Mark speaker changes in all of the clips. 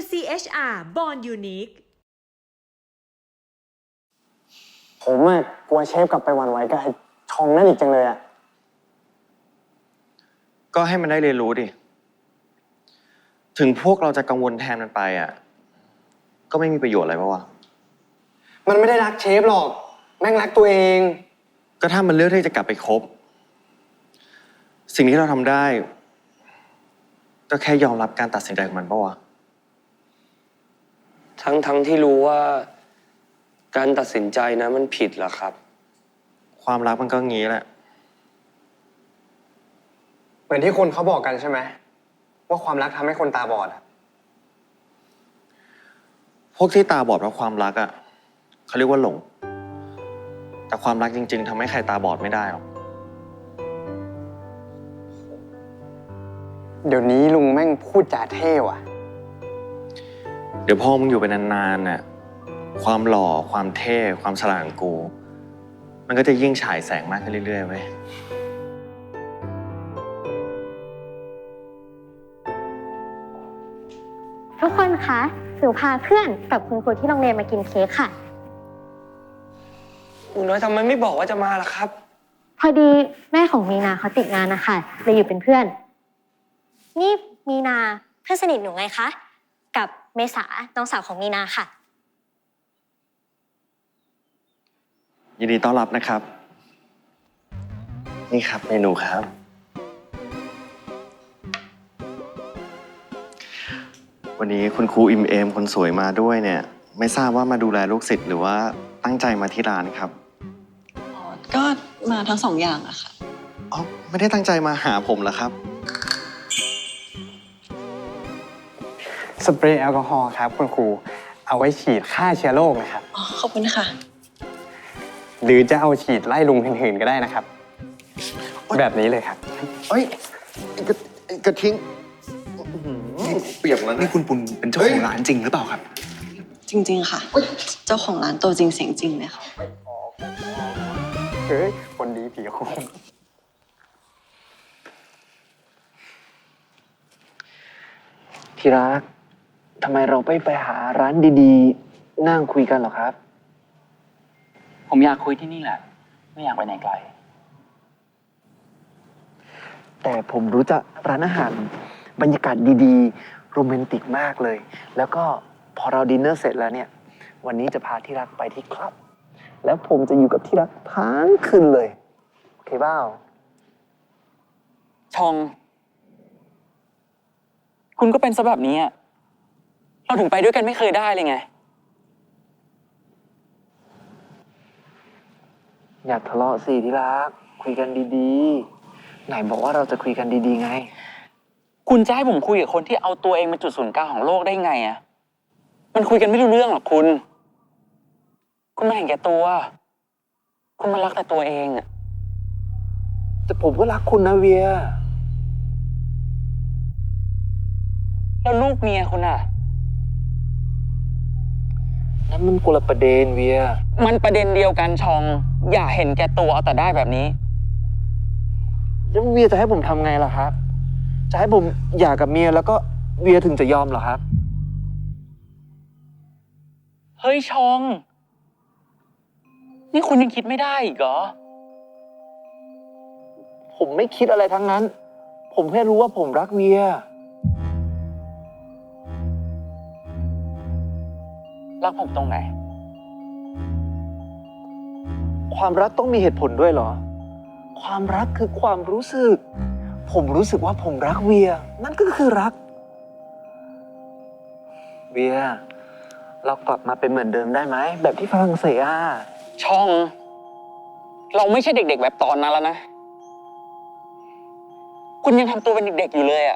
Speaker 1: CHR Born Unique
Speaker 2: ผมอะกลัวเชฟกลับไปหวั่นไหวกับไอ้ชองนั่นอีกจังเลยอะ
Speaker 3: ก็ให้มันได้เรียนรู้ดิ ถึงพวกเราจะกังวลแทนมันไปอ่ะ ก็ไม่มีประโยชน์อะไรปะวะ
Speaker 2: มันไม่ได้รักเชฟหรอกแม่งรักตัวเอง
Speaker 3: ก็ถ้ามันเลือกที่จะกลับไปคบ สิ่งที่เราทำได้ ก็แค่ยอมรับการตัดสินใจของมันปะวะ
Speaker 4: ทั้งที่รู้ว่าการตัดสินใจนะมันผิดเหรอครับ
Speaker 3: ความรักมันก็งี้แหละ
Speaker 2: เหมือนที่คนเขาบอกกันใช่ไหมว่าความรักทำให้คนตาบอดอะ
Speaker 3: พวกที่ตาบอดเพราะความรักอ่ะเขาเรียกว่าหลง แต่ความรักจริงๆทำให้ใครตาบอดไม่ได้หรอก
Speaker 2: เดี๋ยวนี้ลุงแม่งพูดจาเท่ว่ะ
Speaker 3: เดี๋ยวพอมึงอยู่ไปนานๆน่ะ ความหล่อ ความเท่ ความฉลาดของกู มันก็จะยิ่งฉายแสงมากขึ้นเรื่อยๆเว้ย
Speaker 5: ทุกคนคะหนูพาเพื่อนกับคุณครูที่โรงเรียนมากินเค้กค่ะ
Speaker 4: ครูน้อยทำไมไม่บอกว่าจะมาล่ะครับ
Speaker 5: พอดีแม่ของมีนาเขาติดงานนะคะเลยอยู่เป็นเพื่อน นี่มีนาเพื่อนสนิทหนูไงคะ กับเมษาน้องสาวของมีนาค่ะ
Speaker 3: ยินดีต้อนรับนะครับ นี่ครับเมนูครับ วันนี้คุณครูอิมเอมคนสวยมาด้วยเนี่ย ไม่ทราบว่ามาดูแลลูกศิษย์หรือว่าตั้งใจมาที่ร้านครับ
Speaker 6: อ๋อก็มาทั้งสองอย่างอะค่ะ
Speaker 3: อ๋อ ไม่ได้ตั้งใจมาหาผมเหรอครับ
Speaker 2: สเปรย์แอลกอฮอล์ครับคุณครูเอาไว้ฉีดฆ่าเชื้อโรคนะครับ
Speaker 6: อ๋อ ขอบคุณค่ะ
Speaker 2: หรือจะเอาฉีดไล่ลุงหื่นๆก็ได้นะครับ แบบนี้เลยครับ
Speaker 3: เอ้ยกระทิ้งเปียกแล้วนะ
Speaker 7: นี่คุณปุณเป็นเจ้าของร้านจริงหรือเปล่าครับ
Speaker 6: จริง ๆ ค่ะ เจ้าของร้านตัวจริงเสียงจริงเลยค่ะ
Speaker 2: เฮ้ยคนดีผีโคง
Speaker 7: ที่รัก ทำไมเราไม่ไปหาร้านดีๆ นั่งคุยกันหรอครับ
Speaker 8: ผมอยากคุยที่นี่แหละ ไม่อยากไปไหนไกล
Speaker 7: แต่ผมรู้จักร้านอาหารบรรยากาศดีๆ โรแมนติกมากเลย แล้วก็พอเราดินเนอร์เสร็จแล้วเนี่ย วันนี้จะพาที่รักไปที่คลับ แล้วผมจะอยู่กับที่รักทั้งคืนเลย โอเคเปล่า
Speaker 8: ชอง คุณก็เป็นซะแบบนี้อะเราถึงไปด้วยกันไม่เคยได้เลยไง
Speaker 7: อย่าทะเลาะสิที่รัก คุยกันดีๆ ไหนบอกว่าเราจะคุยกันดีๆไง
Speaker 8: คุณจะให้ผมคุยกับคนที่เอาตัวเองเป็นจุดศูนย์กลางของโลกได้ไงอะมันคุยกันไม่รู้เรื่องหรอกคุณมันเห็นแก่ตัว คุณมันรักแต่ตัวเองอะ
Speaker 7: แต่ผมก็รักคุณนะเวีย
Speaker 8: แล้วลูกเมียคุณอะ
Speaker 7: นั่นมันคนละประเด็นเวีย
Speaker 8: มันประเด็นเดียวกันชอง อย่าเห็นแก่ตัวเอาแต่ได้แบบนี้
Speaker 7: แล้วเวียจะให้ผมทำไงล่ะครับ จะให้ผมหย่ากับเมียแล้วก็เวียถึงจะยอมเหรอครับ
Speaker 8: เฮ้ยชอง นี่คุณยังคิดไม่ได้อีกเหรอ
Speaker 7: ผมไม่คิดอะไรทั้งนั้น ผมแค่รู้ว่าผมรักเวีย
Speaker 8: รักผมตรงไหน
Speaker 7: ความรักต้องมีเหตุผลด้วยเหรอ ความรักคือความรู้สึก ผมรู้สึกว่าผมรักเวีย นั่นก็คือรัก เวีย เรากลับมาเป็นเหมือนเดิมได้ไหม แบบที่ฝรั่งเศสอ่ะ
Speaker 8: ช่อง เราไม่ใช่เด็กๆแบบตอนนั้นแล้วนะ คุณยังทำตัวเป็นเด็กๆอยู่เลยอะ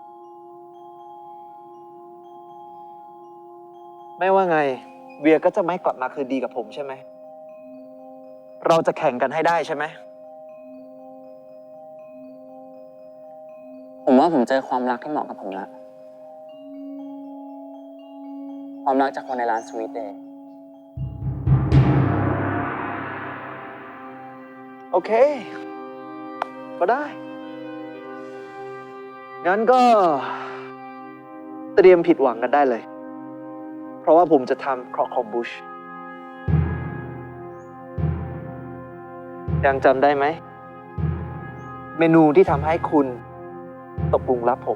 Speaker 7: ไม่ว่าไง เวียก็จะไม่กลับมาคืนดีกับผมใช่ไหม เราจะแข่งกันให้ได้ใช่ไหม
Speaker 8: ผมว่าผมเจอความรักที่เหมาะกับผมแล้ว ความรักจากคนในร้านสวีทเดย์
Speaker 7: โอเค ก็ได้ งั้นก็เตรียมผิดหวังกันได้เลยเพราะว่าผมจะทำครอคอมบูชยังจำได้ไหม เมนูที่ทำให้คุณตกหลุมรักผม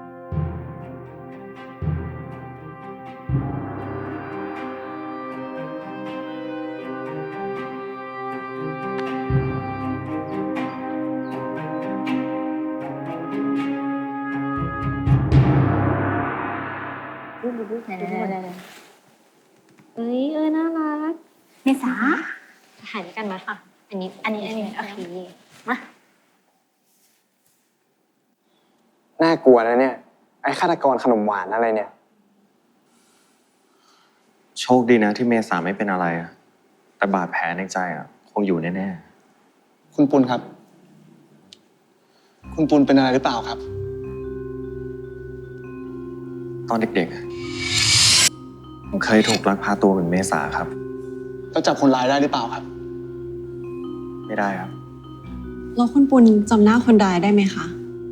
Speaker 5: เอ้ยน่ารักเมษาถ่ายด้วยกันไหมค่ะ อันนี้โอเคมา
Speaker 2: น่ากลัวนะเนี่ย ไอ้ฆาตกรขนมหวานอะไรเนี่ย
Speaker 3: โชคดีนะที่เมษาไม่เป็นอะไรอะแต่บาดแผลในใจอะคงอยู่แน่
Speaker 9: คุณปุณครับ คุณปุณเป็นอะไรหรือเปล่าครับ
Speaker 3: ๆ ตอนเด็กๆอะผมเคยถูกลักพาตัวเหมือนเมษาครับ
Speaker 9: แล้วจับคนร้ายได้หรือเปล่าครับ
Speaker 3: ไม่ได้ครับ
Speaker 6: แล้วคุณปุณจำหน้าคนร้ายได้ไหมคะ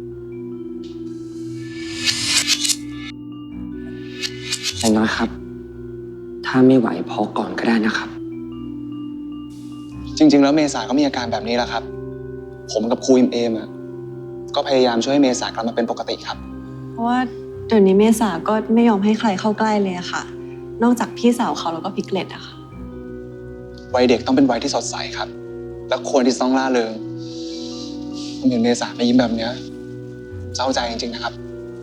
Speaker 4: อย่างน้อยครับ ถ้าไม่ไหวพอก่อนก็ได้นะครับ
Speaker 9: จริง ๆ แล้วเมษาก็มีอาการแบบนี้แหละครับ ผมกับครูเอมก็พยายามช่วยให้เมษากลับมาเป็นปกติครับ
Speaker 6: เพราะว่าเดี๋ยวนี้เมษาก็ไม่ยอมให้ใครเข้าใกล้เลยอะค่ะ นอกจากพี่สาวเขาแล้วก็พิกเลตอะค่ะ
Speaker 9: วัยเด็กต้องเป็นวัยที่สดใสครับ และควรที่จะต้องล่าเริงผมเห็นเมษาไม่ยิ้มแบบเนี้ยเศร้าใจจริงๆนะครับ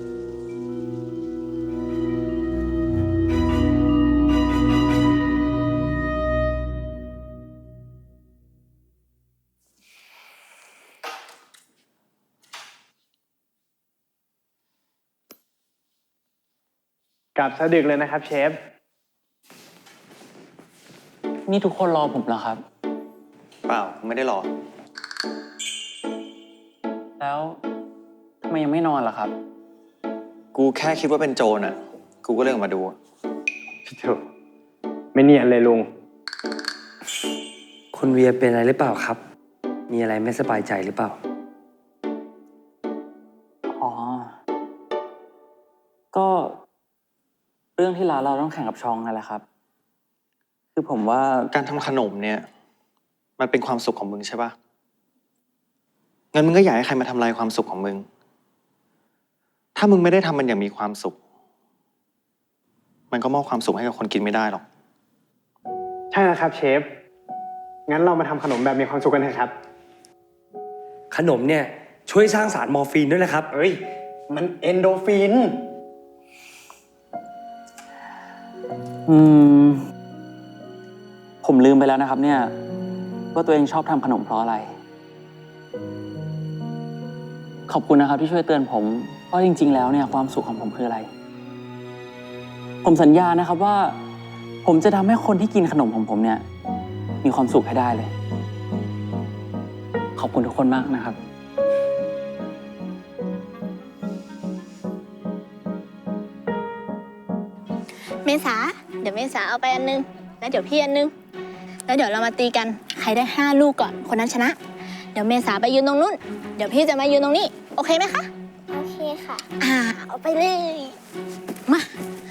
Speaker 2: กลับซะดึกเลยนะครับเชฟ
Speaker 8: นี่ทุกคนรอผมเหรอครับ
Speaker 3: เปล่าไม่ได้รอ
Speaker 8: แล้วทำไมยังไม่นอนล่ะครับ
Speaker 3: กูแค่คิดว่าเป็นโจรอ่ะ กูก็เลยออกมาดูอะ
Speaker 2: พี่โถไม่เนียนเลยลุง
Speaker 10: คุณเวียเป็นอะไรหรือเปล่าครับ มีอะไรไม่สบายใจหรือเปล่า
Speaker 8: อ๋อ ก็เรื่องที่ร้านเราต้องแข่งกับชองนั่นแหละครับ คือผมว่า
Speaker 3: การทำขนมเนี่ย มันเป็นความสุขของมึงใช่ปะงั้นมึงก็อยากให้ใครมาทำลายความสุขของมึง ถ้ามึงไม่ได้ทำมันอย่างมีความสุข มันก็มอบความสุขให้กับคนกินไม่ได้หรอก
Speaker 2: ใช่แล้วครับเชฟ งั้นเรามาทำขนมแบบมีความสุขกันเถอะครับ
Speaker 10: ขนมเนี่ยช่วยสร้างสารมอร์ฟีนด้วยนะครับ
Speaker 2: เอ้ย มันเอนโดฟิน
Speaker 8: ผมลืมไปแล้วนะครับเนี่ยว่าตัวเองชอบทำขนมเพราะอะไร ขอบคุณนะครับที่ช่วยเตือนผมว่าจริงๆแล้วเนี่ยความสุขของผมคืออะไร ผมสัญญานะครับว่า ผมจะทำให้คนที่กินขนมของผมเนี่ยมีความสุขให้ได้เลย ขอบคุณทุกคนมากนะครับ
Speaker 5: เมษาเดี๋ยวเมษาเอาไปอันนึงแล้วเดี๋ยวพี่อันนึงแล้วเดี๋ยวเรามาตีกันใครได้5 ลูกก่อนคนนั้นชนะ เดี๋ยวเมษาไปยืนตรงนู้นเดี๋ยวพี่จะมายืนตรงนี้โอเคไหมคะโอเคค่ะเอาไปเลยมา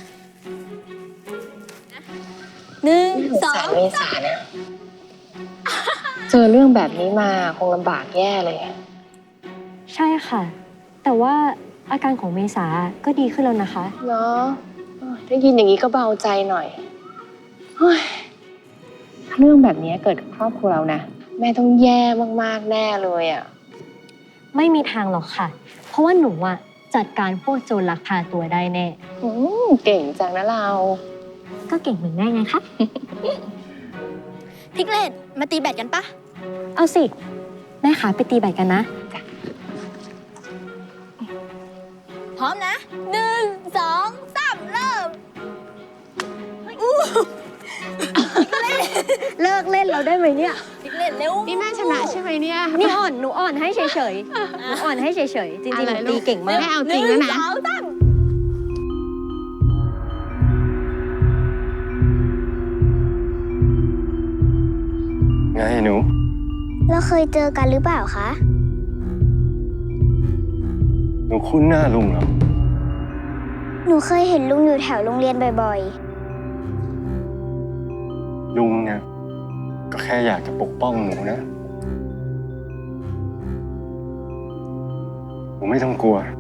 Speaker 5: 1 2
Speaker 11: เมษาเนี่ยเจอเรื่องแบบนี้มาคงลำบากแย่เลย
Speaker 5: ใช่ค่ะ แต่ว่าอาการของเมษาก็ดีขึ้นแล้วนะคะ
Speaker 11: เนาะได้ยินอย่างนี้ก็เบาใจหน่อยเฮ้ยเรื่องแบบนี้เกิดกับครอบครัวเรานะแม่ต้องแย่มากๆแน่เลยอ่ะ
Speaker 5: ไม่มีทางหรอกค่ะ เพราะว่าหนูอะจัดการพวกโจรลักพาตัวได้แน่
Speaker 11: เก่งจังนะเรา
Speaker 5: ก็เก่งเหมือนแม่ไงคะ พิกเลตมาตีแบดกันปะเอาสิแม่ขาไปตีแบดกันนะพร้อมนะ1 2 3เริ่มเลิกเล่นเราได้ไหมเนี่ยพิกเลตเร็ว
Speaker 11: นี่แม่ชนะใช่ไหมเนี่ย
Speaker 5: นี่หนูอ่อนให้เฉยๆหนูอ่อนให้เฉยๆจริงๆหนูตีเก่งมาก
Speaker 11: แม่เอาจริงแล้วนะ
Speaker 5: 1 2 3
Speaker 2: ไงหนู
Speaker 5: เราเคยเจอกันหรือเปล่าคะ
Speaker 2: หนูคุ้นหน้าลุงเหรอ
Speaker 5: หนูเคยเห็นลุงอยู่แถวโรงเรียนบ่อย
Speaker 2: ลุงเนี่ยก็แค่อยากจะปกป้องหนูนะหนูไม่ต้องกลัว